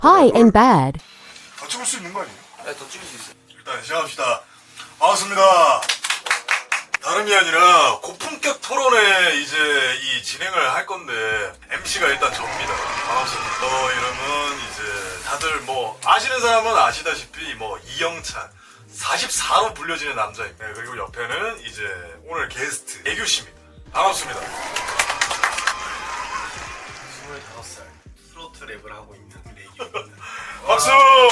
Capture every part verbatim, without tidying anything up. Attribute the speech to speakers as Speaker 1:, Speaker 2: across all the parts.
Speaker 1: Hi and bad.
Speaker 2: 더 찍을 수 있는 거 아니에요?
Speaker 3: 네, 더 찍을 수 있어요.
Speaker 2: 일단 시작합시다. 반갑습니다. 다름이 아니라 고품격 토론회 이제 이 진행을 할 건데 엠씨가 일단 접니다. 반갑습니다. 저 이름은 이제 다들 뭐 아시는 사람은 아시다시피 뭐 이영찬 사십사로 불려지는 남자입니다. 네, 그리고 옆에는 이제 오늘 게스트 애규 씨입니다. 반갑습니다.
Speaker 4: 스물다섯 살 트로트 랩을 하고 있는 애기입니다.
Speaker 2: 박수!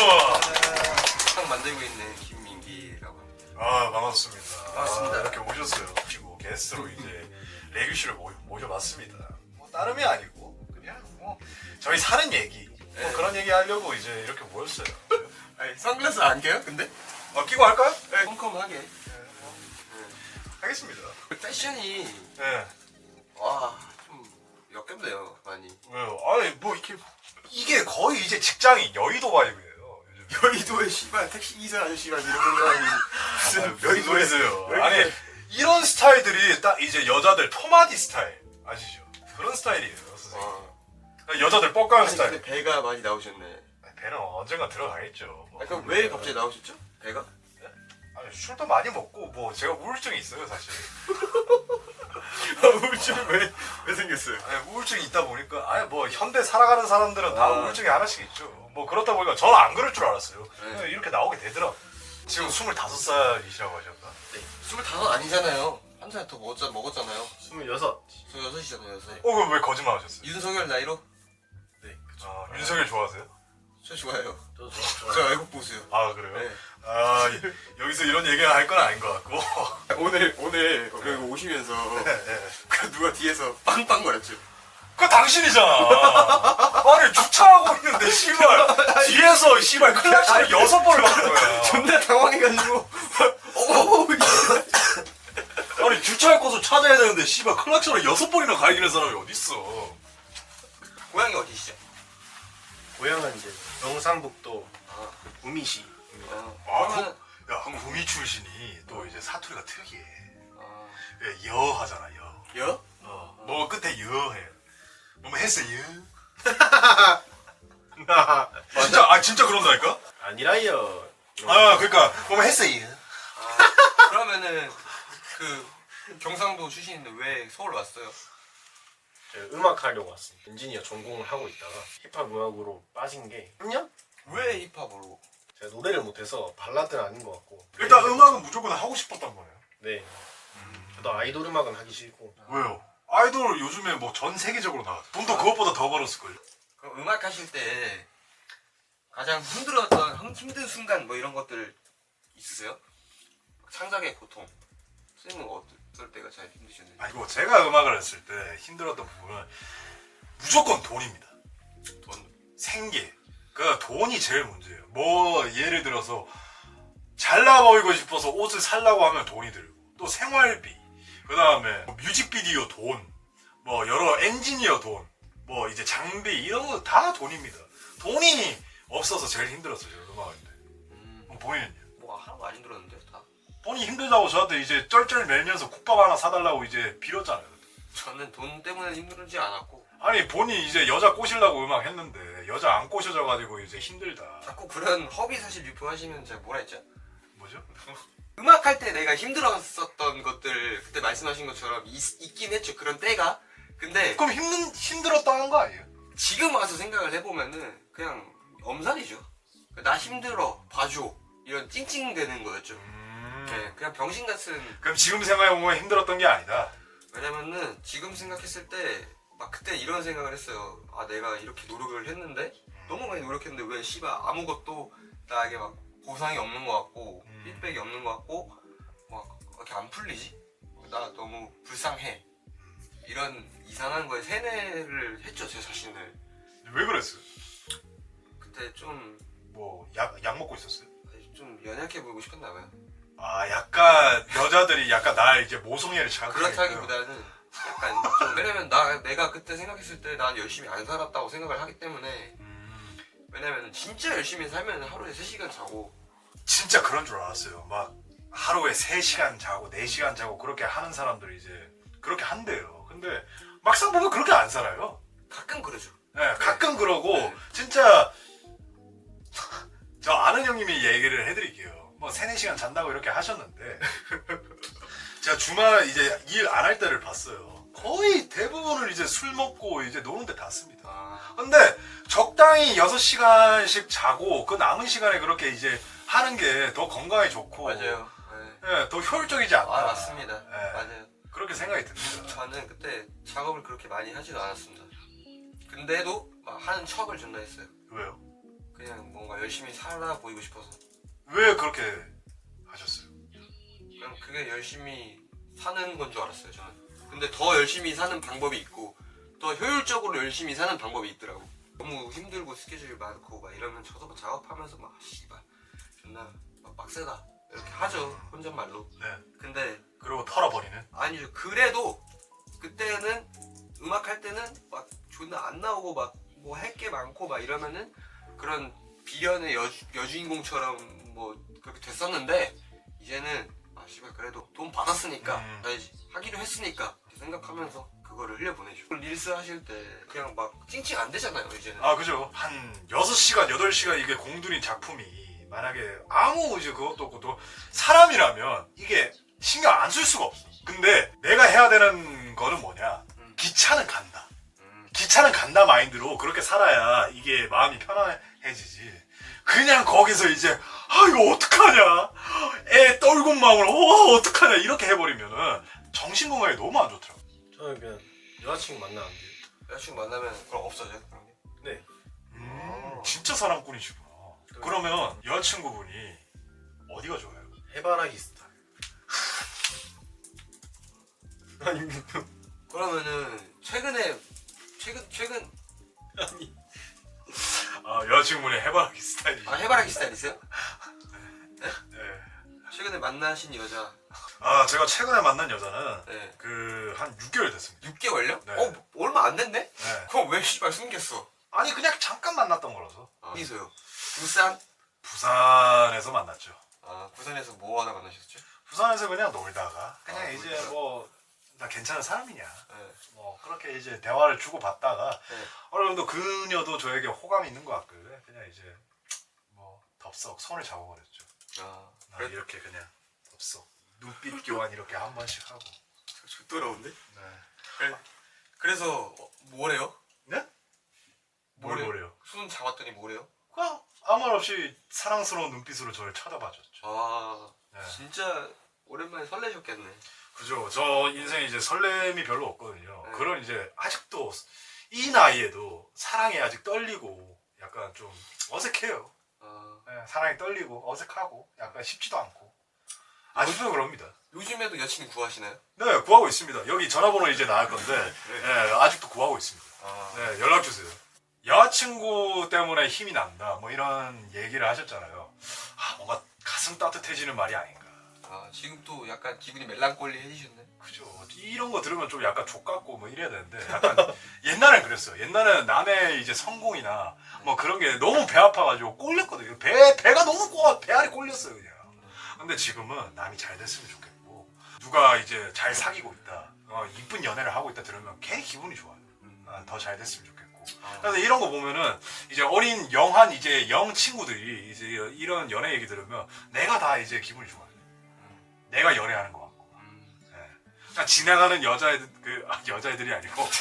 Speaker 3: 상 만들고 있는 김민기라고 합니다.
Speaker 2: 아 반갑습니다.
Speaker 3: 반갑습니다.
Speaker 2: 아, 이렇게 오셨어요. 그리고 게스트로 이제 레규 씨를 모, 모셔봤습니다. 뭐 다름이 아니고 그냥 뭐 저희 사는 얘기 뭐
Speaker 3: 네.
Speaker 2: 그런 얘기 하려고 이제 이렇게 모였어요.
Speaker 3: 아니, 선글라스 안 껴요? 근데?
Speaker 2: 어, 끼고 할까요? 네.
Speaker 3: 컴컴하게.
Speaker 2: 하겠습니다.
Speaker 3: 패션이
Speaker 2: 네.
Speaker 3: 와, 좀 역겹네요, 많이.
Speaker 2: 왜요? 아니 뭐 이렇게 이게 거의 이제 직장인 여의도 바이브예요. 요즘.
Speaker 4: 여의도에 씨발 택시 기사 아저씨가 이런 거 아니 무슨
Speaker 2: 무슨 소리세요?
Speaker 4: 왜
Speaker 2: 아니
Speaker 4: 이렇게-
Speaker 2: 이런 스타일들이 딱 이제 여자들 포마디 스타일 아시죠? 그런 스타일이에요, 선생님.
Speaker 3: 와.
Speaker 2: 여자들 뻑가는
Speaker 3: 아니,
Speaker 2: 스타일.
Speaker 3: 근데 배가 많이 나오셨네.
Speaker 2: 배는 언젠가 들어가겠죠. 뭐.
Speaker 3: 아, 그럼 왜 갑자기 나오셨죠? 배가?
Speaker 2: 아니, 술도 많이 먹고 뭐 제가 우울증이 있어요, 사실.
Speaker 4: 우울증이 왜, 왜 생겼어요?
Speaker 2: 아니, 우울증이 있다 보니까 아니 뭐 현대 살아가는 사람들은 다
Speaker 3: 아.
Speaker 2: 우울증이 하나씩 있죠. 뭐 그렇다 보니까 저는 안 그럴 줄 알았어요.
Speaker 3: 네.
Speaker 2: 그냥 이렇게 나오게 되더라고. 지금 스물다섯 살이시라고 하셨나?
Speaker 3: 네. 스물다섯 아니잖아요. 한 살 더 먹었, 먹었잖아요.
Speaker 4: 스물여섯.
Speaker 3: 저 여섯이잖아요, 여섯.
Speaker 2: 어, 그럼 왜 거짓말 하셨어요?
Speaker 3: 윤석열 나이로?
Speaker 4: 네, 그쵸.
Speaker 2: 아, 윤석열 좋아하세요?
Speaker 3: 저 좋아요.
Speaker 4: 저도
Speaker 3: 저
Speaker 4: 좋아요.
Speaker 3: 외국 보세요.
Speaker 2: 아, 그래요?
Speaker 3: 네.
Speaker 2: 아, 이- 여기서 이런 얘기 할 건 아닌 것 같고.
Speaker 3: 오늘, 오늘 여기 오시면서 그 누가 뒤에서 빵빵거렸죠.
Speaker 2: 그거 당신이잖아. 아니, 주차하고 있는데, 씨발. 뒤에서, 씨발, 클락션을 여섯 번을 받는 거야.
Speaker 3: 존나 당황해가지고 어,
Speaker 2: 아니, 주차할 곳을 찾아야 되는데, 씨발, 클락션을 여섯 번이나 갈기는 사람이 어딨어.
Speaker 3: 고향이 어디시죠?
Speaker 4: 고향은 이제 경상북도
Speaker 3: 아,
Speaker 4: 우미시.
Speaker 3: 어,
Speaker 2: 아,
Speaker 3: 그러면
Speaker 2: 구, 야, 구미 출신이 또 이제 사투리가 특이해.
Speaker 3: 아,
Speaker 2: 예, 여 하잖아, 여.
Speaker 3: 여?
Speaker 2: 어, 뭐 끝에 여 해. 뭐 했어, 여? 진짜, 아, 진짜 그런다니까?
Speaker 4: 아니라요.
Speaker 2: 아, 그러니까, 뭐 했어, 여?
Speaker 3: 아, 그러면은 그 경상도 출신인데 왜 서울 왔어요?
Speaker 4: 제가 음악 하려고 왔습니다. 엔지니어 전공을 하고 있다가 힙합 음악으로 빠진 게 삼 년?
Speaker 3: 왜 힙합으로?
Speaker 4: 제가 노래를 못해서 발라드는 아닌 것 같고.
Speaker 2: 일단 음악은 무조건 하고 싶었단 말이에요.
Speaker 4: 네. 저도 아이돌 음악은 하기 싫고.
Speaker 2: 왜요? 아이돌 요즘에 뭐 전 세계적으로 나와. 돈도 그것보다 더 벌었을걸요?
Speaker 3: 그럼 음악 하실 때 가장 힘들었던 힘- 힘든 순간 뭐 이런 것들 있으세요? 창작의 고통 쓰는 거 어떨 때가 제일 힘드셨는지.
Speaker 2: 아니고, 제가 음악을 했을 때 힘들었던 부분은 무조건 돈입니다.
Speaker 3: 돈.
Speaker 2: 생계. 그러니까 돈이 제일 문제예요. 뭐 예를 들어서 잘나 보이고 싶어서 옷을 살라고 하면 돈이 들고, 또 생활비, 그 다음에 뮤직비디오 돈, 뭐 여러 엔지니어 돈, 뭐 이제 장비 이런 거 다 돈입니다. 돈이 없어서 제일 힘들었어요, 음악인데.
Speaker 3: 음,
Speaker 2: 그럼 본인은요?
Speaker 3: 뭐 하나도 안 힘들었는데 다.
Speaker 2: 돈이 힘들다고 저한테 이제 쩔쩔 매면서 국밥 하나 사달라고 이제 빌었잖아요.
Speaker 3: 저는 돈 때문에 힘들지 않았고
Speaker 2: 아니 본인 이제 여자 꼬시려고 음악 했는데 여자 안 꼬셔져가지고 이제 힘들다.
Speaker 3: 자꾸 그런 허위 사실 유포하시면 제가 뭐라 했죠?
Speaker 2: 뭐죠?
Speaker 3: 음악 할 때 내가 힘들었었던 것들 그때 말씀하신 것처럼 있, 있긴 했죠. 그런 때가. 근데
Speaker 2: 그럼 힘든 힘들었다는 거 아니에요?
Speaker 3: 지금 와서 생각을 해보면은 그냥 엄살이죠. 나 힘들어 봐줘 이런 찡찡대는 거였죠.
Speaker 2: 음...
Speaker 3: 네, 그냥 병신 같은.
Speaker 2: 그럼 지금 생각해보면 힘들었던 게 아니다.
Speaker 3: 왜냐면은 지금 생각했을 때 막 그때 이런 생각을 했어요. 아 내가 이렇게 노력을 했는데 너무 많이 노력했는데 왜 씨발 아무것도 나에게 막 보상이 없는 것 같고
Speaker 2: 음.
Speaker 3: 피드백이 없는 것 같고 막 이렇게 안 풀리지? 나 너무 불쌍해. 이런 이상한 거에 세뇌를 했죠 제 자신을.
Speaker 2: 왜 그랬어요?
Speaker 3: 그때 좀
Speaker 2: 뭐 약 약 먹고 있었어요?
Speaker 3: 좀 연약해 보이고 싶었나 봐요.
Speaker 2: 아 약간 여자들이 약간 날 이제 모성애를 자극하니까.
Speaker 3: 그렇다기보다는 약간 좀 왜냐면 나 내가 그때 생각했을 때 난 열심히 안 살았다고 생각을 하기 때문에.
Speaker 2: 음,
Speaker 3: 왜냐면 진짜 열심히 살면 하루에 세 시간 자고.
Speaker 2: 진짜 그런 줄 알았어요. 막 하루에 세 시간 자고 네 시간 자고 그렇게 하는 사람들이 이제 그렇게 한대요. 근데 막상 보면 그렇게 안 살아요.
Speaker 3: 가끔 그러죠.
Speaker 2: 네, 가끔 그러고
Speaker 3: 네.
Speaker 2: 진짜 얘기를 해드릴게요. 뭐 세네 시간 잔다고 이렇게 하셨는데 제가 주말 이제 일 안 할 때를 봤어요. 거의 대부분을 이제 술 먹고 이제 노는데 다 씁니다.
Speaker 3: 아,
Speaker 2: 근데 적당히 여섯 시간씩 자고 그 남은 시간에 그렇게 이제 하는 게 더 건강에 좋고
Speaker 3: 맞아요. 네.
Speaker 2: 예, 더 효율적이지 않나.
Speaker 3: 아, 맞습니다.
Speaker 2: 예,
Speaker 3: 맞아요.
Speaker 2: 그렇게 생각이 듭니다.
Speaker 3: 저는 그때 작업을 그렇게 많이 하지도 않았습니다. 근데도 막 하는 척을 존나 했어요.
Speaker 2: 왜요?
Speaker 3: 그냥 뭔가 열심히 살아 보이고 싶어서.
Speaker 2: 왜 그렇게 하셨어요?
Speaker 3: 그냥 그게 열심히 사는 건 줄 알았어요, 저는. 근데 더 열심히 사는 방법이 있고 더 효율적으로 열심히 사는 방법이 있더라고. 너무 힘들고 스케줄 많고 막 이러면 저도 막 작업하면서 막 씨발 존나 막 빡세다 이렇게 하죠, 혼잣말로.
Speaker 2: 네.
Speaker 3: 근데
Speaker 2: 그리고 털어버리는.
Speaker 3: 아니죠. 그래도 그때는 음악 할 때는 막 존나 안 나오고 막 뭐 할 게 많고 막 이러면은 그런 비련의 여주, 여주인공처럼 뭐 그렇게 됐었는데 이제는 아 씨발 그래도 돈 받았으니까
Speaker 2: 음.
Speaker 3: 해야지, 하기로 했으니까 이렇게 생각하면서 그거를 흘려보내죠. 릴스 하실 때 그냥 막 찡찡 안 되잖아요 이제는.
Speaker 2: 아 그죠. 한 여섯 시간 여덟 시간 이게 공들인 작품이 만약에 아무 이제 그것도 없고 또 사람이라면 이게 신경 안 쓸 수가 없어. 근데 내가 해야 되는 거는 뭐냐,
Speaker 3: 음.
Speaker 2: 기차는 간다.
Speaker 3: 음.
Speaker 2: 기차는 간다 마인드로 그렇게 살아야 이게 마음이 편안해지지. 그냥 거기서 이제 아 이거 어떡하냐, 애 떨군 마음으로 어 어떡하냐 이렇게 해버리면은 정신 건강에 너무 안 좋더라고.
Speaker 4: 저는 그냥 여자친구 만나는데.
Speaker 3: 여자친구 만나면 그럼 없어져요? 그런 게?
Speaker 4: 네.
Speaker 2: 음, 진짜 사랑꾼이시구나. 그러면 여자친구분이 어디가 좋아요?
Speaker 4: 해바라기 스타일. 아니
Speaker 3: 그러면은 최근에 최근 최근
Speaker 4: 아니
Speaker 2: 아 여자친구분이 해바라기 스타일이.
Speaker 3: 아 해바라기 스타일 있어요?
Speaker 2: 네.
Speaker 3: 최근에 만나신 여자.
Speaker 2: 아 제가 최근에 만난 여자는
Speaker 3: 네.
Speaker 2: 그 한 육 개월 됐습니다.
Speaker 3: 육 개월요?
Speaker 2: 네.
Speaker 3: 어 얼마 안 됐네?
Speaker 2: 네.
Speaker 3: 그럼 왜 씨발 숨겼어?
Speaker 2: 아니 그냥 잠깐 만났던 거라서.
Speaker 3: 아, 어디서요? 부산?
Speaker 2: 부산에서 만났죠.
Speaker 3: 아 부산에서 뭐 하다 만나셨죠?
Speaker 2: 부산에서 그냥 놀다가 그냥
Speaker 3: 아,
Speaker 2: 이제
Speaker 3: 놀다가.
Speaker 2: 뭐 나 괜찮은 사람이냐,
Speaker 3: 네.
Speaker 2: 뭐 그렇게 이제 대화를 주고 받다가
Speaker 3: 네.
Speaker 2: 어느 정도 그녀도 저에게 호감이 있는 것 같길래 그냥 이제 뭐 덥석 손을 잡아버렸죠.
Speaker 3: 아
Speaker 2: 나
Speaker 3: 그래?
Speaker 2: 이렇게 그냥 덥석 눈빛 교환 이렇게 한 번씩 하고.
Speaker 3: 좋더라운데?
Speaker 2: 네.
Speaker 3: 그래. 그래서 어, 뭐래요?
Speaker 2: 네? 뭘
Speaker 3: 뭐래요?
Speaker 2: 뭐래요?
Speaker 3: 손 잡았더니 뭐래요?
Speaker 2: 그냥 아무 말 없이 사랑스러운 눈빛으로 저를 쳐다봐줬죠.
Speaker 3: 아
Speaker 2: 네.
Speaker 3: 진짜 오랜만에 설레셨겠네.
Speaker 2: 그죠. 저 인생에 이제 설렘이 별로 없거든요.
Speaker 3: 네.
Speaker 2: 그런 이제 아직도 이 나이에도 사랑이 아직 떨리고 약간 좀 어색해요.
Speaker 3: 아
Speaker 2: 네, 사랑이 떨리고 어색하고 약간 쉽지도 않고 아직도 그럽니다.
Speaker 3: 요즘에도 여친 구하시나요?
Speaker 2: 네, 구하고 있습니다. 여기 전화번호 이제 나갈 건데 네, 아직도 구하고 있습니다.
Speaker 3: 아
Speaker 2: 네, 연락 주세요. 여자친구 때문에 힘이 난다 뭐 이런 얘기를 하셨잖아요. 아, 뭔가 가슴 따뜻해지는 말이 아닌가.
Speaker 3: 아 지금 또 약간 기분이 멜랑꼴리해지셨네.
Speaker 2: 그죠. 이런 거 들으면 좀 약간 족같고 뭐 이래야 되는데 약간 옛날엔 그랬어요. 옛날에는 남의 이제 성공이나 뭐 그런 게 너무 배 아파가지고 꼴렸거든요. 배 배가 너무 꼬 배알이 꼴렸어요 그냥. 근데 지금은 남이 잘 됐으면 좋겠고 누가 이제 잘 사귀고 있다, 어, 이쁜 연애를 하고 있다 들으면 괜히 기분이 좋아요. 아, 더 잘 됐으면 좋겠고. 그래서 이런 거 보면은 이제 어린 영한 이제 영 친구들이 이제 이런 연애 얘기 들으면 내가 다 이제 기분이 좋아요. 내가 연애하는 것 같고. 그러니까 지나가는 여자애들 그 아, 여자애들이 아니고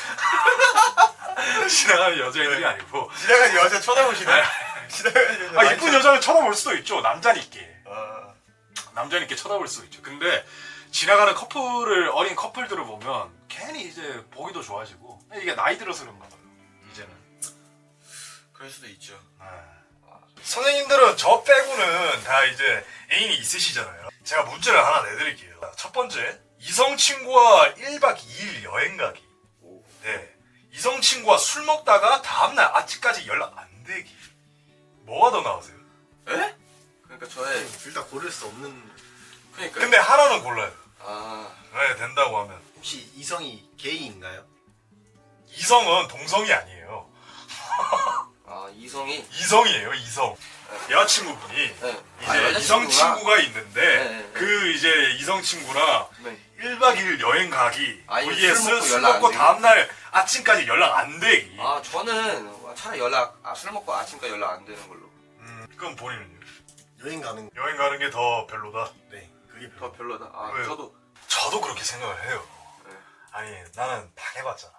Speaker 2: 지나가는 여자애들이 아니고
Speaker 3: 지나가는 여자 쳐다보시네. 지나가는 여자.
Speaker 2: 아 이쁜 여자는 쳐다볼 수도 있죠. 남자니께
Speaker 3: 아,
Speaker 2: 남자니께 쳐다볼 수도 있죠. 근데 지나가는 커플을 어린 커플들을 보면 괜히 이제 보기도 좋아지고 이게 나이 들어서 그런가 봐요. 이제는.
Speaker 3: 그럴 수도 있죠.
Speaker 2: 선생님들은 저 빼고는 다 이제 애인이 있으시잖아요. 제가 문제를 하나 내드릴게요. 첫 번째, 이성 친구와 일 박 이 일 여행 가기. 네. 이성 친구와 술 먹다가 다음날 아침까지 연락 안 되기. 뭐가 더 나으세요?
Speaker 3: 에? 그러니까 저의
Speaker 4: 둘 다 고를 수 없는.
Speaker 3: 그러니까
Speaker 2: 근데 하나는 골라요.
Speaker 3: 아
Speaker 2: 네, 된다고 하면.
Speaker 4: 혹시 이성이 게이인가요?
Speaker 2: 이성은 동성이 아니에요.
Speaker 3: 아 이성이
Speaker 2: 이성이에요, 이성. 여자친구분이
Speaker 3: 네.
Speaker 2: 이제
Speaker 3: 아, 여자친구가?
Speaker 2: 이성 친구가 있는데
Speaker 3: 네, 네, 네.
Speaker 2: 그 이제 이성 친구랑
Speaker 3: 네.
Speaker 2: 일 박 이 일 여행 가기
Speaker 3: 아, 이거
Speaker 2: vs
Speaker 3: 술 먹고
Speaker 2: 술
Speaker 3: 연락 안
Speaker 2: 먹고
Speaker 3: 되기?
Speaker 2: 다음날 아침까지 연락 안 되기.
Speaker 3: 아 저는 차라리 연락 아, 술 먹고 아침까지 연락 안 되는 걸로.
Speaker 2: 음, 그럼 본인은요?
Speaker 4: 여행 가는
Speaker 2: 여행 가는 게 더 별로다.
Speaker 4: 네 그게
Speaker 3: 더
Speaker 4: 별로.
Speaker 3: 별로다. 아
Speaker 2: 왜요?
Speaker 3: 저도
Speaker 2: 저도 그렇게 생각을 해요.
Speaker 3: 네.
Speaker 2: 아니 나는 당해봤잖아.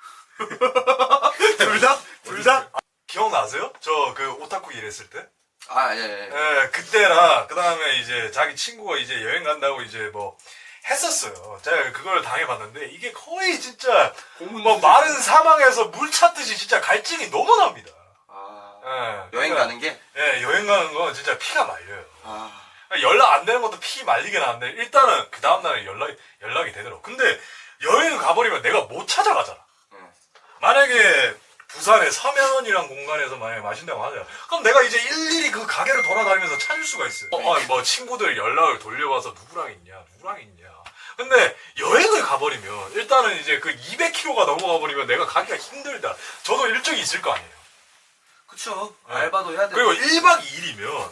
Speaker 3: 둘 다? 둘 다?
Speaker 2: 기억나세요? 저 그 오타쿠 일했을 때?
Speaker 3: 아 예. 예.
Speaker 2: 예, 그때랑 그 다음에 이제 자기 친구가 이제 여행 간다고 이제 뭐 했었어요. 제가 그걸 당해봤는데 이게 거의 진짜
Speaker 3: 고문
Speaker 2: 뭐 마른 사막에서 물 찾듯이 진짜 갈증이 너무 납니다.
Speaker 3: 아
Speaker 2: 예,
Speaker 3: 여행
Speaker 2: 그러니까,
Speaker 3: 가는 게?
Speaker 2: 예, 여행 가는 건 진짜 피가 말려요.
Speaker 3: 아
Speaker 2: 연락 안 되는 것도 피 말리긴 하는데 일단은 그 다음날에 연락이, 연락이 되더라고. 근데 여행을 가버리면 내가 못 찾아가잖아.
Speaker 3: 응.
Speaker 2: 만약에 부산의 서면이란 공간에서 만약에 마신다고 하자. 그럼 내가 이제 일일이 그 가게를 돌아다니면서 찾을 수가 있어요. 어, 아, 뭐 친구들 연락을 돌려봐서 누구랑 있냐, 누구랑 있냐. 근데 여행을 가버리면 일단은 이제 그 이백 킬로미터가 넘어가 버리면 내가 가기가 힘들다. 저도 일정이 있을 거 아니에요.
Speaker 3: 그쵸.
Speaker 2: 네.
Speaker 3: 알바도 해야 되고.
Speaker 2: 그리고 일 박 이 일이면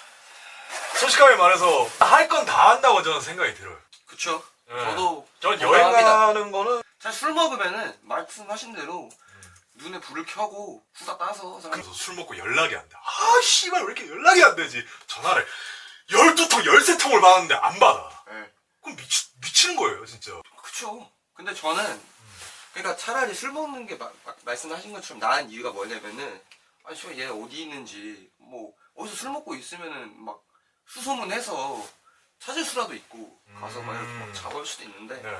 Speaker 2: 솔직하게 말해서 할 건 다 한다고 저는 생각이 들어요.
Speaker 3: 그쵸.
Speaker 2: 네.
Speaker 3: 저도
Speaker 2: 전 여행
Speaker 3: 공감합니다.
Speaker 2: 가는 거는
Speaker 3: 사실 술 먹으면은 말씀하신 대로 눈에 불을 켜고 후다 따서 사람
Speaker 2: 그래서 술 먹고 연락이 안 돼. 아 씨발 왜 이렇게 연락이 안 되지? 전화를 열두 통, 열세 통을 받았는데 안 받아.
Speaker 3: 네.
Speaker 2: 그럼 미치, 미치는 거예요 진짜.
Speaker 3: 그쵸. 근데 저는 그러니까 차라리 술 먹는 게 마, 마, 말씀하신 것처럼 나은 이유가 뭐냐면은 아니 씨발 얘 어디 있는지 뭐 어디서 술 먹고 있으면은 막 수소문해서 찾을 수라도 있고 가서 막 이렇게 막 잡을 수도 있는데
Speaker 2: 네.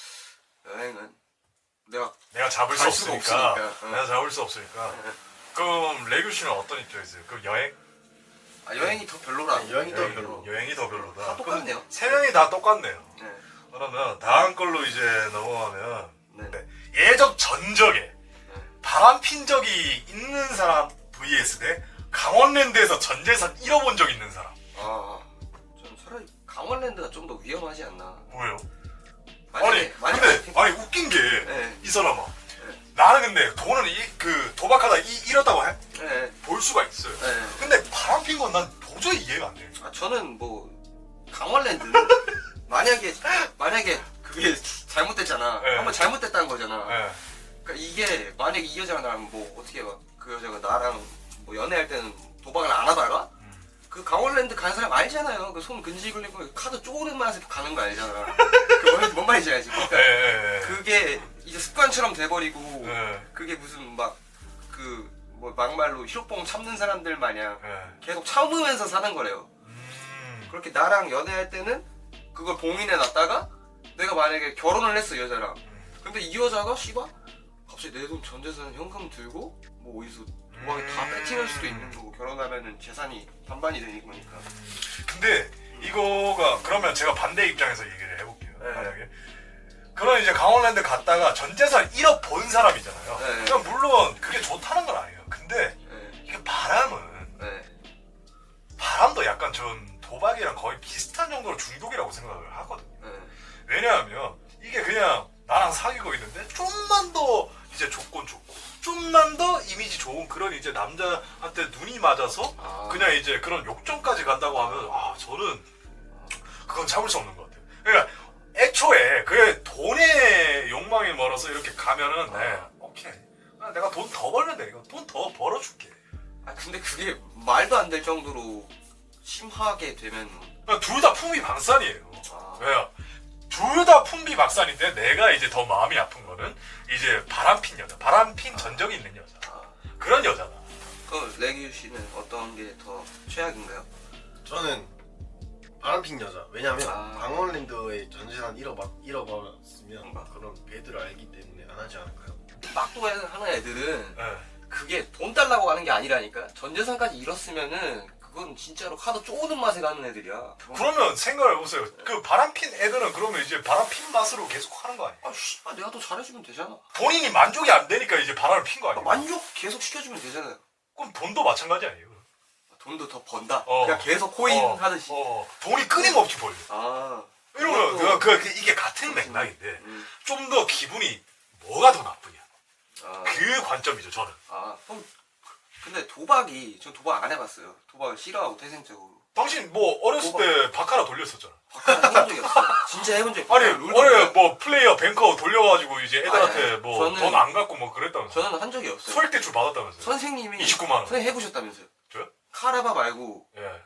Speaker 3: 여행은 내가
Speaker 2: 내가 잡을 수
Speaker 3: 갈 수가
Speaker 2: 없으니까.
Speaker 3: 없으니까. 응.
Speaker 2: 내가 잡을 수 없으니까.
Speaker 3: 네.
Speaker 2: 그럼 레규 씨는 어떤 입장이세요? 그럼 여행?
Speaker 3: 아, 여행이 더 별로라.
Speaker 4: 네, 여행이 더
Speaker 2: 여행,
Speaker 4: 별로.
Speaker 2: 여행이 더 별로다.
Speaker 3: 다 똑같네요.
Speaker 2: 세 명이 다 똑같네요.
Speaker 3: 네.
Speaker 2: 그러면 다음 걸로 이제 넘어가면
Speaker 3: 네.
Speaker 2: 네. 예적 전적에 바람핀 적이 있는 사람 vs 대 강원랜드에서 전재산 잃어본 적 있는 사람.
Speaker 3: 아, 전 차라리 강원랜드가 좀 더 위험하지 않나.
Speaker 2: 뭐예요?
Speaker 3: 만약에,
Speaker 2: 아니 근데 아니 웃긴 게 이
Speaker 3: 네.
Speaker 2: 사람아
Speaker 3: 네.
Speaker 2: 나는 근데 돈을 이, 그 도박하다 이, 잃었다고 해?
Speaker 3: 네.
Speaker 2: 볼 수가 있어요.
Speaker 3: 네.
Speaker 2: 근데 바람핀 건 난 도저히 이해가 안 돼.
Speaker 3: 아, 저는 뭐 강원랜드 만약에 만약에 그게 잘못됐잖아.
Speaker 2: 네.
Speaker 3: 한번 잘못됐다는 거잖아.
Speaker 2: 네.
Speaker 3: 그러니까 이게 만약에 이 여자가 나랑 뭐 어떻게 막 그 여자가 나랑 뭐 연애할 때는 도박을 안 하다가 그 강원랜드 간 사람 알잖아요. 그 손 근질 걸리고 카드 쪼그린 맛에 가는 거 알잖아. 그뭔 뭔 말인지 알지? 그러니까
Speaker 2: 네, 네, 네.
Speaker 3: 그게 이제 습관처럼 돼버리고
Speaker 2: 네.
Speaker 3: 그게 무슨 막 그 뭐 막말로 히로뽕 참는 사람들 마냥
Speaker 2: 네.
Speaker 3: 계속 참으면서 사는 거래요.
Speaker 2: 음.
Speaker 3: 그렇게 나랑 연애할 때는 그걸 봉인해 놨다가 내가 만약에 결혼을 했어 여자랑. 근데 이 여자가 씨발 갑자기 내 돈 전 재산 현금 들고 뭐 어디서 도박에 다 뺏기는 수도 있는 거고 결혼하면은 재산이 반반이 되는 거니까.
Speaker 2: 근데 이거가 그러면 제가 반대 입장에서 얘기를 해볼게요.
Speaker 3: 네.
Speaker 2: 만약에 그런 이제 강원랜드 갔다가 전재산 잃어본 사람이잖아요.
Speaker 3: 네.
Speaker 2: 그럼 물론 그게 좋다는 건 아니에요. 근데
Speaker 3: 네.
Speaker 2: 이게 바람은
Speaker 3: 네.
Speaker 2: 바람도 약간 전 도박이랑 거의 비슷한 정도로 중독이라고 생각을 하거든요.
Speaker 3: 네.
Speaker 2: 왜냐하면 이게 그냥 나랑 사귀고 있는데 좀만 더 이제 조건 좋고 좀만 더 이미지 좋은 그런 이제 남자한테 눈이 맞아서
Speaker 3: 아.
Speaker 2: 그냥 이제 그런 욕정까지 간다고 하면 아 저는 그건 참을 수 없는 것 같아요. 그러니까 애초에 그 돈의 욕망이 멀어서 이렇게 가면은 네 오케이 아, 내가 돈 더 벌면 돼 이거 돈 더 벌어줄게.
Speaker 3: 아 근데 그게 말도 안 될 정도로 심하게 되면
Speaker 2: 둘 다 풍비박산이에요.
Speaker 3: 아.
Speaker 2: 왜요? 둘 다 풍비박산인데 내가 이제 더 마음이 아픈 거는 이제 바람핀 여자, 바람핀 전적이 있는 여자
Speaker 3: 아.
Speaker 2: 그런 여자다.
Speaker 3: 그 레규 씨는 어떤 게 더 최악인가요?
Speaker 4: 저는 바람핀 여자. 왜냐면
Speaker 3: 아.
Speaker 4: 강원랜드의 전재산 잃어버, 잃어버렸으면
Speaker 3: 뭔가?
Speaker 4: 그런 배드를 알기 때문에 안 하지 않을까요?
Speaker 3: 막도 하는 애들은
Speaker 2: 네.
Speaker 3: 그게 돈 달라고 하는 게 아니라니까. 전 재산까지 잃었으면은 그건 진짜로 카드 쪼는 맛에 가는 애들이야.
Speaker 2: 그러면 생각을 해보세요. 그 바람핀 애들은 그러면 이제 바람핀 맛으로 계속 하는 거 아니에요?
Speaker 3: 아 씨발 내가 더 잘해주면 되잖아.
Speaker 2: 본인이 만족이 안 되니까 이제 바람을 핀 거 아니에요?
Speaker 3: 만족 계속 시켜주면 되잖아요.
Speaker 2: 그럼 돈도 마찬가지 아니에요?
Speaker 3: 돈도 더 번다.
Speaker 2: 어.
Speaker 3: 그냥 계속 코인
Speaker 2: 어,
Speaker 3: 하듯이.
Speaker 2: 어, 돈이 끊임없이 벌려.
Speaker 3: 아.
Speaker 2: 이러면
Speaker 3: 그것도-
Speaker 2: 그, 그, 이게 같은 맥락인데
Speaker 3: 음.
Speaker 2: 좀 더 기분이 뭐가 더 나쁘냐
Speaker 3: 아.
Speaker 2: 그 관점이죠 저는.
Speaker 3: 아. 그럼 근데 도박이 전 도박 안 해봤어요. 도박을 싫어하고 태생적으로.
Speaker 2: 당신 뭐 어렸을
Speaker 3: 도박.
Speaker 2: 때 바카라 돌렸었잖아.
Speaker 3: 바카라 해본 적이 없어요. 진짜 해본 적이
Speaker 2: 아니
Speaker 3: 없어요.
Speaker 2: 어려 뭐 플레이어 뱅커 돌려가지고 이제 애들한테
Speaker 3: 아니, 아니,
Speaker 2: 뭐
Speaker 3: 저는-
Speaker 2: 돈 안 갖고 뭐 그랬다면서.
Speaker 3: 저는 한 적이 없어요.
Speaker 2: 소액 대출 받았다면서요.
Speaker 3: 선생님이
Speaker 2: 이십구만 원.
Speaker 3: 선생님 해보셨다면서요.
Speaker 2: 저요?
Speaker 3: 카라바 말고
Speaker 2: 예.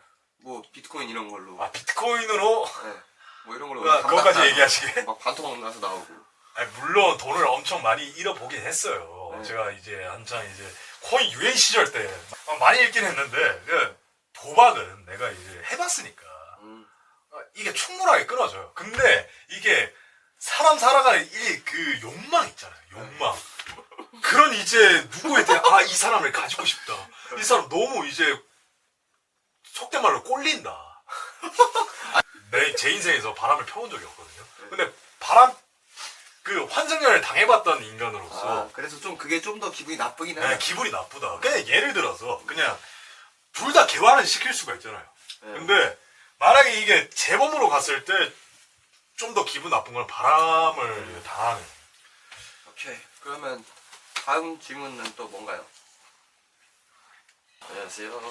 Speaker 3: 뭐 비트코인 이런 걸로.
Speaker 2: 아 비트코인으로
Speaker 3: 네. 뭐 이런 걸로.
Speaker 2: 아, 그것까지 얘기하시게?
Speaker 3: 막 반토막 나서 나오고.
Speaker 2: 아니, 물론 돈을 엄청 많이 잃어보긴 했어요.
Speaker 3: 네.
Speaker 2: 제가 이제 한창 이제 코인 유행 시절 때 많이 잃긴 했는데 그 도박은 내가 이제 해봤으니까
Speaker 3: 음.
Speaker 2: 아, 이게 충분하게 끊어져요. 근데 이게 사람 살아가는 이 그 욕망 있잖아요. 욕망. 그런 이제 누구에 대한 아 이 사람을 가지고 싶다. 이 사람 너무 이제 속된 말로 꼴린다. 내 제 인생에서 바람을 펴본 적이 없거든요. 근데 바람 그 환승연을 당해봤던 인간으로서
Speaker 3: 아, 그래서 좀 그게 좀 더 기분이 나쁘긴
Speaker 2: 네,
Speaker 3: 해요.
Speaker 2: 기분이 나쁘다. 그냥 예를 들어서 그냥 둘 다 개화는 시킬 수가 있잖아요.
Speaker 3: 네.
Speaker 2: 근데 만약에 이게 재범으로 갔을 때 좀 더 기분 나쁜 건 바람을 당하는.
Speaker 3: 오케이. 그러면 다음 질문은 또 뭔가요? 안녕하세요.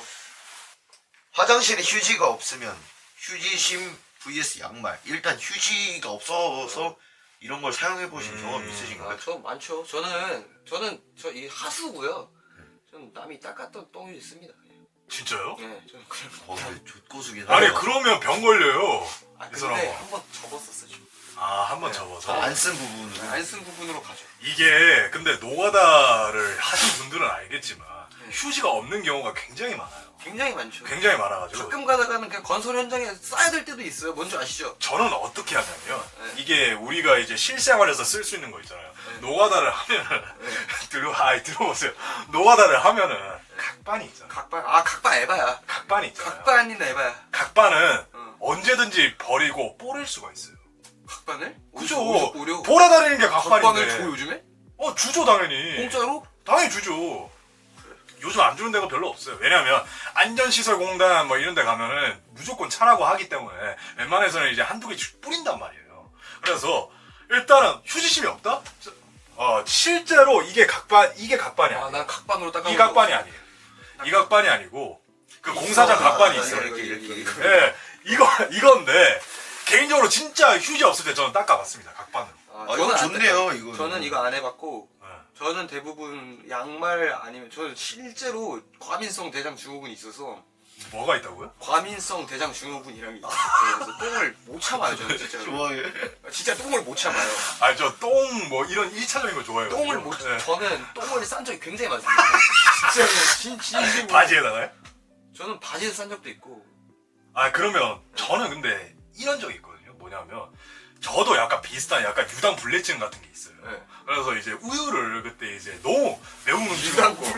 Speaker 1: 화장실에 휴지가 없으면 휴지심 vs 양말. 일단 휴지가 없어서 이런 걸 사용해 보신
Speaker 2: 음.
Speaker 1: 경험 있으신가요?
Speaker 3: 아, 저 많죠. 저는 저는 저 이 하수고요. 저는 남이 닦았던 똥이 있습니다.
Speaker 2: 진짜요?
Speaker 3: 네, 저는 그런 거.
Speaker 1: 어, 근데 족고수긴
Speaker 2: 아니
Speaker 1: 하네요.
Speaker 2: 그러면 병 걸려요.
Speaker 3: 아,
Speaker 2: 이
Speaker 3: 근데
Speaker 2: 사람아.
Speaker 3: 한번 접었었어 지금.
Speaker 2: 아 한 번
Speaker 3: 네.
Speaker 2: 접어서.
Speaker 1: 안 쓴 부분으로.
Speaker 3: 안 쓴 부분으로 가죠.
Speaker 2: 이게 근데 노가다를 하신 분들은 알겠지만 휴지가 없는 경우가 굉장히 많아요.
Speaker 3: 굉장히 많죠.
Speaker 2: 굉장히 많아가지고
Speaker 3: 가끔 가다가는 그냥 건설 현장에 쌓야 될 때도 있어요. 뭔지 아시죠?
Speaker 2: 저는 어떻게 하냐면
Speaker 3: 네.
Speaker 2: 이게 우리가 이제 실생활에서 쓸 수 있는 거 있잖아요.
Speaker 3: 네.
Speaker 2: 노가다를 하면은
Speaker 3: 네.
Speaker 2: 들어 아 들어보세요. 노가다를 하면은 각반이 있잖아요.
Speaker 3: 각반. 아, 각반 에바야.
Speaker 2: 각반이 있잖아요.
Speaker 3: 각반이나 에바야.
Speaker 2: 각반은
Speaker 3: 어.
Speaker 2: 언제든지 버리고 뿌릴 수가 있어요.
Speaker 3: 각반을?
Speaker 2: 그죠?
Speaker 3: 어디서 오려?
Speaker 2: 돌아다니는 게
Speaker 3: 각반을
Speaker 2: 각반인데.
Speaker 3: 줘 요즘에?
Speaker 2: 어 주죠 당연히.
Speaker 3: 공짜로?
Speaker 2: 당연히 주죠. 요즘 안 주는 데가 별로 없어요. 왜냐면 안전시설공단 뭐 이런 데 가면은 무조건 차라고 하기 때문에 웬만해서는 이제 한두 개씩 뿌린단 말이에요. 그래서 일단은 휴지심이 없다? 어 실제로 이게 각반 이게 각반이
Speaker 3: 아,
Speaker 2: 아니에요.
Speaker 3: 난 각반으로 닦아.
Speaker 2: 이 각반이 아니에요. 이 각반이 아니고 그 공사장 각반이 있어요.
Speaker 3: 이렇게 이렇게 이렇게.
Speaker 2: 예, 이거 이건데 개인적으로 진짜 휴지 없을 때 저는 닦아봤습니다. 각반으로.
Speaker 3: 아,
Speaker 1: 아, 이거
Speaker 3: 안
Speaker 1: 좋네요,
Speaker 3: 닦아.
Speaker 1: 이거는.
Speaker 3: 저는 이거 안 해봤고
Speaker 2: 예.
Speaker 3: 저는 대부분 양말 아니면 저는 실제로 과민성 대장 증후군이 있어서
Speaker 2: 뭐가 있다고요?
Speaker 3: 과민성 대장 증후군이라는 게 있어요. 그래서 똥을 못 참아요 저는 진짜.
Speaker 1: 좋아해.
Speaker 3: 진짜 똥을 못 참아요.
Speaker 2: 아니 저 똥 뭐 이런 일차적인 거 좋아해요.
Speaker 3: 똥을 못
Speaker 2: 예.
Speaker 3: 저는 똥을 싼 적이 굉장히 많습니다. 진짜로 진 진심으로.
Speaker 2: 바지에다가요?
Speaker 3: 저는 바지에 싼 적도 있고.
Speaker 2: 아 그러면 저는 근데 이런 적이 있거든요. 뭐냐면 저도 약간 비슷한 약간 유당 불내증 같은 게 있어요.
Speaker 3: 네.
Speaker 2: 그래서 이제 우유를 그때 이제 너무 매운 음식을
Speaker 3: 유당
Speaker 2: 먹고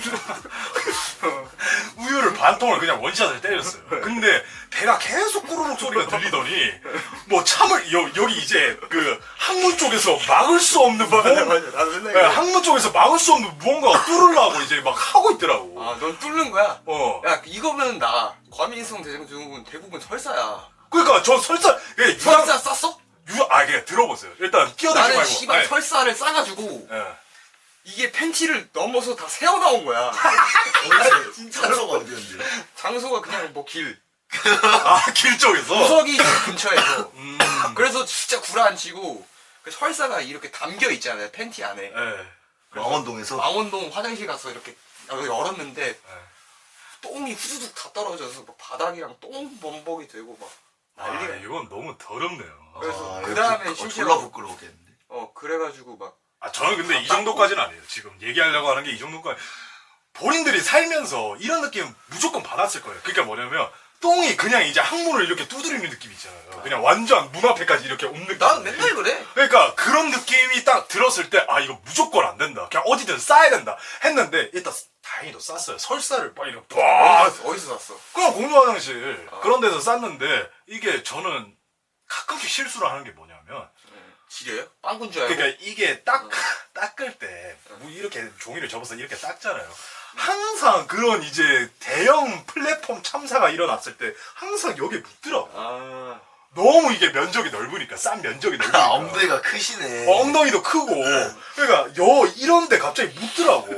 Speaker 2: 우유를 반 통을 그냥 원샷을 때렸어요. 근데 배가 계속 꾸르륵 소리가 들리더니 뭐 참을 여, 여기 이제 그 항문 쪽에서 막을 수 없는 뭔
Speaker 3: 나도 맨날
Speaker 2: 네, 항문 쪽에서 막을 수 없는 무언가가 뚫으려고 이제 막 하고 있더라고.
Speaker 3: 아, 넌 뚫는 거야?
Speaker 2: 어.
Speaker 3: 야, 이거면 나 과민성 대장 증후군 대부분 설사야.
Speaker 2: 그러니까 저 설사 예, 유당
Speaker 3: 설사 쌌어?
Speaker 2: 유, 아, 그냥 들어보세요. 일단 끼어들지
Speaker 3: 나는
Speaker 2: 말고.
Speaker 3: 씨발
Speaker 2: 아니,
Speaker 3: 설사를 싸가지고
Speaker 2: 예.
Speaker 3: 이게 팬티를 넘어서 다 새어 나온 거야.
Speaker 1: 어디서
Speaker 3: 진짜로?
Speaker 1: 장소가 어디였는데?
Speaker 3: 장소가 그냥 뭐 길,
Speaker 2: 아, 길 쪽에서?
Speaker 3: 구석이 근처에서.
Speaker 2: 음.
Speaker 3: 그래서 진짜 구라앉히고 그 설사가 이렇게 담겨 있잖아요 팬티 안에.
Speaker 2: 예.
Speaker 1: 망원동에서.
Speaker 3: 망원동 화장실 가서 이렇게 열었는데
Speaker 2: 예.
Speaker 3: 똥이 후두둑 다 떨어져서 막 바닥이랑 똥 범벅이 되고 막
Speaker 2: 아,
Speaker 3: 난리가.
Speaker 2: 이건 너무 더럽네요.
Speaker 3: 그래서
Speaker 1: 아,
Speaker 3: 그 다음에
Speaker 1: 이거
Speaker 3: 심지어
Speaker 1: 졸라 부끄러웠겠는데.
Speaker 3: 어 그래가지고 막
Speaker 2: 아, 저는 근데
Speaker 3: 다
Speaker 2: 이 정도까지는 아니에요. 지금 얘기하려고 하는 게 이 정도까지. 본인들이 살면서 이런 느낌 무조건 받았을 거예요. 그러니까 뭐냐면, 똥이 그냥 이제 항문을 이렇게 두드리는 느낌 있잖아요. 그냥 완전 문 앞에까지 이렇게 온 느낌.
Speaker 3: 난 맨날 그래.
Speaker 2: 그러니까 그런 느낌이 딱 들었을 때, 아, 이거 무조건 안 된다. 그냥 어디든 싸야 된다. 했는데, 일단 다행히도 쌌어요. 설사를 막 이렇게 빡!
Speaker 3: 어디서, 어디서 샀어?
Speaker 2: 그냥 공유 화장실
Speaker 3: 아.
Speaker 2: 그런 데서 쌌는데 이게 저는 가끔씩 실수를 하는 게 뭐냐면
Speaker 3: 지려요? 빵군 줄 알고.
Speaker 2: 그러니까 이게 딱
Speaker 3: 어.
Speaker 2: 닦을 때 뭐 이렇게 종이를 접어서 이렇게 닦잖아요. 항상 그런 이제 대형 플랫폼 참사가 일어났을 때 항상 여기에 묻더라고.
Speaker 3: 아.
Speaker 2: 너무 이게 면적이 넓으니까 싼 면적이 넓으니까
Speaker 1: 아, 엉덩이가 크시네.
Speaker 2: 어, 엉덩이도 크고 그러니까 여 이런데 갑자기 묻더라고.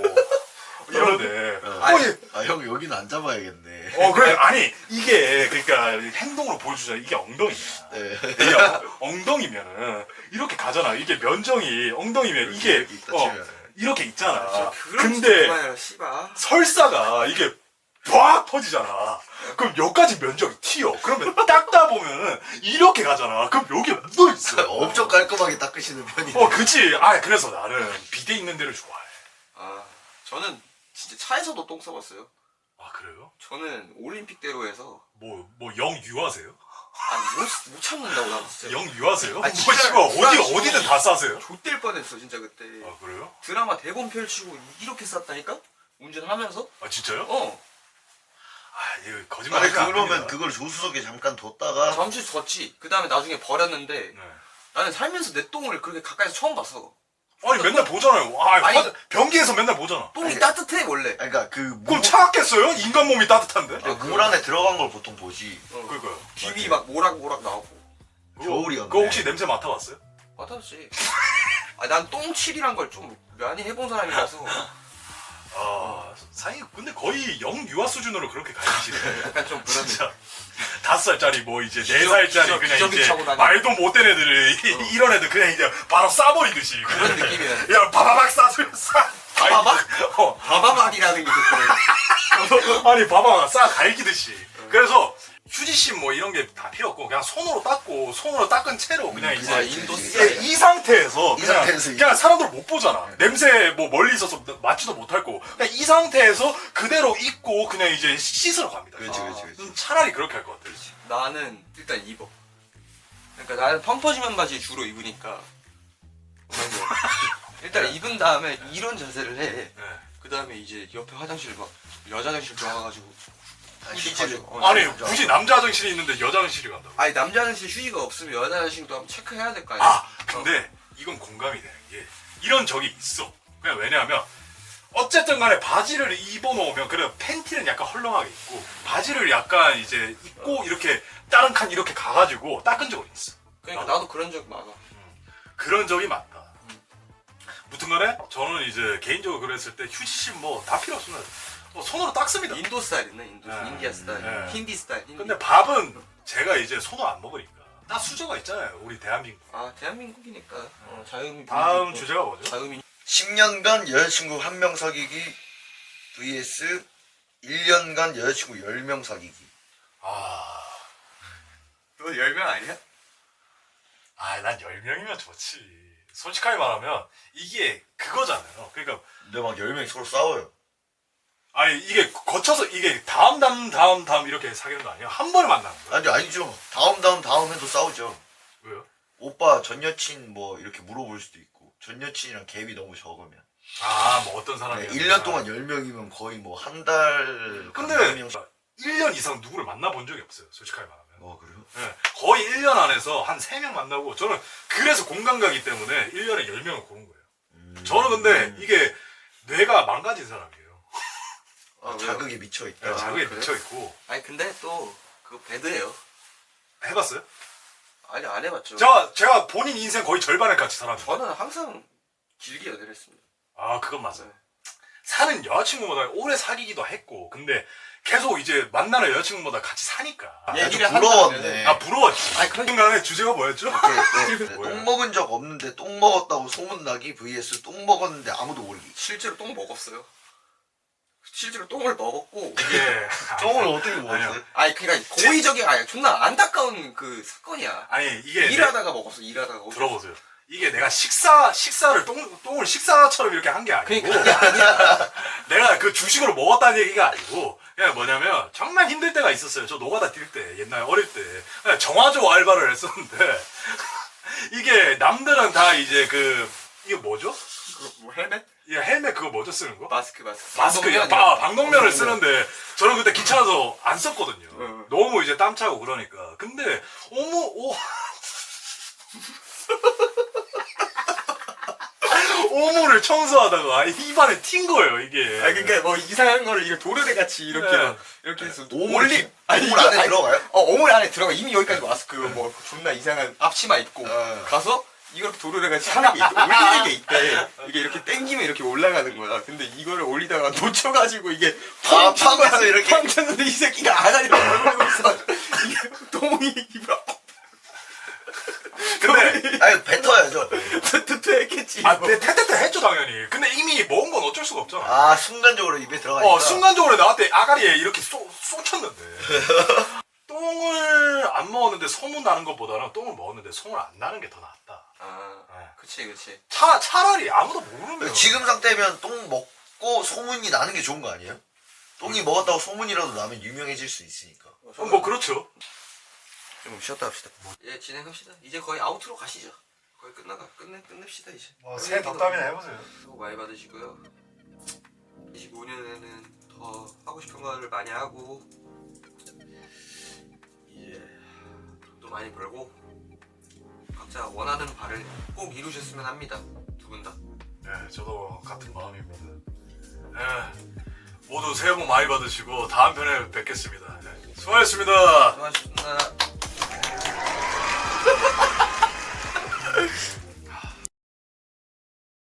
Speaker 2: 이런데
Speaker 1: 어.
Speaker 2: 어, 이-
Speaker 1: 아, 형 여기는 안 잡아야겠네.
Speaker 2: 어 그래 아니 이게 그러니까 행동으로 보여주잖아. 이게 엉덩이야.
Speaker 1: 네.
Speaker 2: 이게 엉- 엉덩이면은 이렇게 가잖아. 이게 면적이 엉덩이면 이게
Speaker 1: 이렇게 딱
Speaker 2: 어,
Speaker 1: 치면.
Speaker 2: 이렇게 있잖아.
Speaker 3: 그런
Speaker 2: 근데
Speaker 3: 그만해라 씨발.
Speaker 2: 설사가 이게 빡 터지잖아. 그럼 여기까지 면적이 튀어. 그러면 닦다 보면은 이렇게 가잖아. 그럼 여기 묻어 있어.
Speaker 1: 엄청 깔끔하게 닦으시는 편이.
Speaker 2: 어, 그치. 아, 그래서 나는 비데 있는 데를 좋아해.
Speaker 3: 아 저는 진짜 차에서도 똥 싸봤어요.
Speaker 2: 아, 그래요?
Speaker 3: 저는 올림픽대로에서
Speaker 2: 뭐, 뭐, 영 유하세요?
Speaker 3: 아니 못, 못 참는다고 나 진짜.
Speaker 2: 영 유하세요?
Speaker 3: 아니,
Speaker 2: 뭐,
Speaker 3: 진짜
Speaker 2: 씨발, 어디가,
Speaker 3: 불안해서
Speaker 2: 어디든 다 싸세요?
Speaker 3: 좆될 뻔했어 진짜 그때.
Speaker 2: 아, 그래요?
Speaker 3: 드라마 대본 펼치고 이렇게 쌌다니까? 운전하면서?
Speaker 2: 아, 진짜요?
Speaker 3: 어.
Speaker 2: 아, 이거 거짓말
Speaker 1: 아니
Speaker 2: 하면 안
Speaker 1: 그러면
Speaker 2: 됩니다.
Speaker 1: 그걸 조수석에 잠깐 뒀다가
Speaker 3: 잠시 졌지. 그 다음에 나중에 버렸는데
Speaker 2: 네.
Speaker 3: 나는 살면서 내 똥을 그렇게 가까이서 처음 봤어.
Speaker 2: 아니, 맨날 보잖아요. 아,
Speaker 3: 아니.
Speaker 2: 화장- 변기에서 맨날 보잖아.
Speaker 3: 똥이
Speaker 1: 아니,
Speaker 3: 따뜻해 원래.
Speaker 1: 아니, 그러니까 그
Speaker 2: 그럼
Speaker 1: 물,
Speaker 2: 차갑겠어요? 인간 몸이 따뜻한데?
Speaker 1: 아, 물 안에 들어간 걸 보통 보지.
Speaker 3: 어.
Speaker 2: 그러니까요.
Speaker 3: 귀비 막 모락모락 나오고.
Speaker 1: 겨울이었네.
Speaker 2: 그거 혹시 냄새 맡아봤어요?
Speaker 3: 맞았지. 아, 난 똥칠이란 걸 좀 많이 해본 사람이라서
Speaker 2: 아, 사장님, 근데 거의 영 유아 수준으로 그렇게 가르치시네.
Speaker 3: 약간 좀 그런
Speaker 2: 진짜. 다섯 살짜리 뭐 이제 네
Speaker 3: 기저-
Speaker 2: 살짜리
Speaker 3: 기저-
Speaker 2: 그냥
Speaker 3: 기저귀
Speaker 2: 이제
Speaker 3: 차고 다니는.
Speaker 2: 말도 못된 애들을 이런 애들 그냥 이제 바로 싸버리듯이
Speaker 3: 그런 느낌이야.
Speaker 2: 야 바바박 싸주면 싸
Speaker 3: 바바박?
Speaker 2: 어,
Speaker 3: 바바박이라는 게 있거든.
Speaker 2: 아니 바바박 싸 갈기듯이 그래서 휴지심 뭐 이런 게 다 필요 없고 그냥 손으로 닦고 손으로 닦은 채로 그냥 이제
Speaker 3: 아, 인도
Speaker 1: 그치.
Speaker 3: 스타일.
Speaker 2: 이, 이 상태에서
Speaker 1: 이
Speaker 2: 그냥,
Speaker 1: 상태에서
Speaker 2: 그냥 사람들 못 보잖아. 냄새 뭐 멀리 있어서 맡지도 못할 거고 그냥 이 상태에서 그대로 입고 그냥 이제 씻으러 갑니다.
Speaker 1: 그렇지,
Speaker 3: 아.
Speaker 1: 그렇지, 그렇지.
Speaker 2: 음, 차라리 그렇게 할 것 같아.
Speaker 3: 나는 일단 입어. 그러니까 나는 펑퍼짐한 바지 주로 입으니까. 일단 입은 다음에 이런 자세를 해.
Speaker 2: 네.
Speaker 3: 그 다음에 이제 옆에 화장실 막 여자 화장실 들어가가지고 휴지
Speaker 1: 휴지를-
Speaker 3: 가지고. 어,
Speaker 2: 아니
Speaker 3: 휴지.
Speaker 2: 굳이 남자 화장실이 있는데 여자 화장실이 간다고?
Speaker 3: 아니 남자 화장실 휴지가 없으면 여자 화장실도 한번 체크해야 될 거 아니야.
Speaker 2: 아 근데 이건 공감이 되는 게 이런 적이 있어. 그냥 왜냐하면 어쨌든 간에 바지를 입어놓으면 그래 팬티는 약간 헐렁하게 입고 바지를 약간 이제 입고 이렇게 다른 칸 이렇게 가가지고 닦은 적은 있어.
Speaker 3: 그러니까 나도 그런 적 많아.
Speaker 2: 그런 적이 많다. 무튼간에 저는 이제 개인적으로 그랬을 때 휴지심 뭐 다 필요 없으면 뭐 손으로 닦습니다.
Speaker 3: 인도 스타일이네 인도
Speaker 2: 네.
Speaker 3: 인디아 스타일,
Speaker 2: 네.
Speaker 3: 힌디 스타일. 힌디.
Speaker 2: 근데 밥은 제가 이제 손을 안 먹으니까 다 수저가 있잖아요. 우리 대한민국.
Speaker 3: 아 대한민국이니까 어, 자유민.
Speaker 2: 다음 주제가 뭐죠?
Speaker 3: 자유민.
Speaker 1: 십 년간 여자친구 한 명 사귀기 vs 일 년간 여자친구 열 명 사귀기.
Speaker 2: 아,
Speaker 3: 너 열 명 아니야?
Speaker 2: 아, 난 열 명이면 좋지. 솔직하게 말하면 이게 그거잖아요. 그러니까
Speaker 1: 근데 막 열 명이 서로 싸워요.
Speaker 2: 아니 이게 거쳐서 이게 다음 다음 다음 다음 이렇게 사귀는 거 아니에요? 한 번에 만나는 거예요?
Speaker 1: 아니 아니죠. 다음 다음 다음 해도 싸우죠.
Speaker 2: 왜요?
Speaker 1: 오빠 전 여친 뭐 이렇게 물어볼 수도 있고 전 여친이랑 갭이 너무 적으면
Speaker 2: 아, 뭐 어떤 사람이
Speaker 1: 네, 일 년 동안 열 명이면 거의 뭐 한 달
Speaker 2: 근데 일 년 이상 누구를 만나본 적이 없어요. 솔직하게 말하면.
Speaker 1: 어 그래요?
Speaker 2: 네, 거의 일 년 안에서 한 세 명 만나고 저는 그래서 공감 가기 때문에 일 년에 열 명을 고른 거예요.
Speaker 1: 음.
Speaker 2: 저는 근데 이게 뇌가 망가진 사람이에요.
Speaker 1: 아,
Speaker 3: 아,
Speaker 1: 자극에 미쳐 있다.
Speaker 2: 네, 자극에
Speaker 3: 그래요?
Speaker 2: 미쳐 있고
Speaker 3: 아니 근데 또 그거 배드예요.
Speaker 2: 해봤어요?
Speaker 3: 아니 안 해봤죠.
Speaker 2: 제가 제가 본인 인생 거의 절반을 같이 살았는데.
Speaker 3: 저는 항상 길게 연애를 했습니다.
Speaker 2: 아, 그건 맞아요. 사는 여자친구보다 오래 사귀기도 했고, 근데 계속 이제 만나는 여자친구보다 같이 사니까.
Speaker 3: 예.
Speaker 1: 아주
Speaker 3: 얘기를
Speaker 1: 부러웠네.
Speaker 2: 아, 부러웠지.
Speaker 3: 아니, 그러니까-
Speaker 2: 순간에 주제가 뭐였죠?
Speaker 1: 네, 네.
Speaker 2: 뭐야?
Speaker 1: 똥 먹은 적 없는데 똥 먹었다고 소문나기 vs 똥 먹었는데 아무도 모르기.
Speaker 3: 실제로 똥 먹었어요. 실제로 똥을 먹었고.
Speaker 2: 이게.
Speaker 1: 똥을 어떻게 먹었어요?
Speaker 2: 아니요.
Speaker 3: 아니 그러니까 고의적인 아니 존나 안타까운 그 사건이야.
Speaker 2: 아니, 이게.
Speaker 3: 일하다가 먹었어. 일하다가.
Speaker 2: 내- 들어보세요. 이게 내가 식사, 식사를 똥, 똥을 식사처럼 이렇게 한 게 아니고.
Speaker 3: 그러니까 그게 아니야.
Speaker 2: 내가 그 주식으로 먹었다는 얘기가 아니고. 그냥 뭐냐면, 정말 힘들 때가 있었어요. 저 노가다 뛸 때, 옛날 어릴 때. 그냥 정화조 알바를 했었는데. 이게 남들은 다 이제 그, 이게 뭐죠?
Speaker 3: 그 뭐 헬멧?
Speaker 2: 이 헬멧 그거 뭐죠 쓰는 거?
Speaker 3: 마스크 마스크.
Speaker 2: 마스크,
Speaker 3: 방독면이요.
Speaker 2: 바, 방독면을 쓰는데 저는 그때 귀찮아서 안 썼거든요.
Speaker 3: 응.
Speaker 2: 너무 이제 땀 차고 그러니까. 근데 어머, 오. 오모를 청소하다가 입안에 튄 거예요 이게.
Speaker 3: 아 그러니까 뭐 이상한 거를 이거 도르래 같이 이렇게
Speaker 2: 네.
Speaker 3: 막 이렇게 해서
Speaker 1: 오물
Speaker 3: 올리
Speaker 1: 기- 오물 안에 들어가요?
Speaker 3: 어 오물 안에 들어가 이미 여기까지 왔어. 그 뭐 존나 이상한 앞치마 입고
Speaker 1: 어.
Speaker 3: 가서 이걸 도르래 같이 하는 게 있대. 올리는 게 있대. 이게 이렇게 당기면 이렇게 올라가는 거야. 근데 이거를 올리다가 놓쳐가지고 이게
Speaker 1: 아,
Speaker 3: 팡 친 거야.
Speaker 1: 팡해서 이렇게?
Speaker 3: 팡 쳤는데 이 새끼가 아가리를 벌리고 있어. 이게 똥이 입을
Speaker 2: 근데
Speaker 1: 아니 뱉어야죠.
Speaker 3: 트트트 했겠지.
Speaker 2: 아, 내 테테테 했죠 당연히. 근데 이미 먹은 건 어쩔 어쩔 수가 없잖아.
Speaker 1: 아 순간적으로 입에 들어가니까.
Speaker 2: 어 순간적으로 나한테 아가리에 이렇게 쏘, 쏘쳤는데 똥을 안 먹었는데 소문 나는 것보다는 똥을 먹었는데 소문 안 나는 게 더 낫다.
Speaker 3: 아
Speaker 2: 네.
Speaker 3: 그치 그치.
Speaker 2: 차, 차라리 아무도 모르면
Speaker 1: 지금 상태면 똥 먹고 소문이 나는 게 좋은 거 아니에요? 똥이 먹었다고 소문이라도 나면 유명해질 수 있으니까.
Speaker 2: 어, 뭐 그렇죠.
Speaker 1: 좀 쉬었다 합시다.
Speaker 3: 예 진행합시다. 이제 거의 아웃으로 가시죠. 거의 끝나가 끝내 끝냅시다 이제.
Speaker 2: 뭐 새해 덕담이나 해보세요.
Speaker 3: 수고 많이 받으시고요. 이십오 년에는 더 하고 싶은 거를 많이 하고 이제 돈도 많이 벌고 각자 원하는 바를 꼭 이루셨으면 합니다. 두 분 다.
Speaker 2: 네, 저도 같은 마음입니다. 네, 모두 새해 복 많이 받으시고 다음 편에 뵙겠습니다. 네, 수고하셨습니다.
Speaker 3: 수고하셨습니다.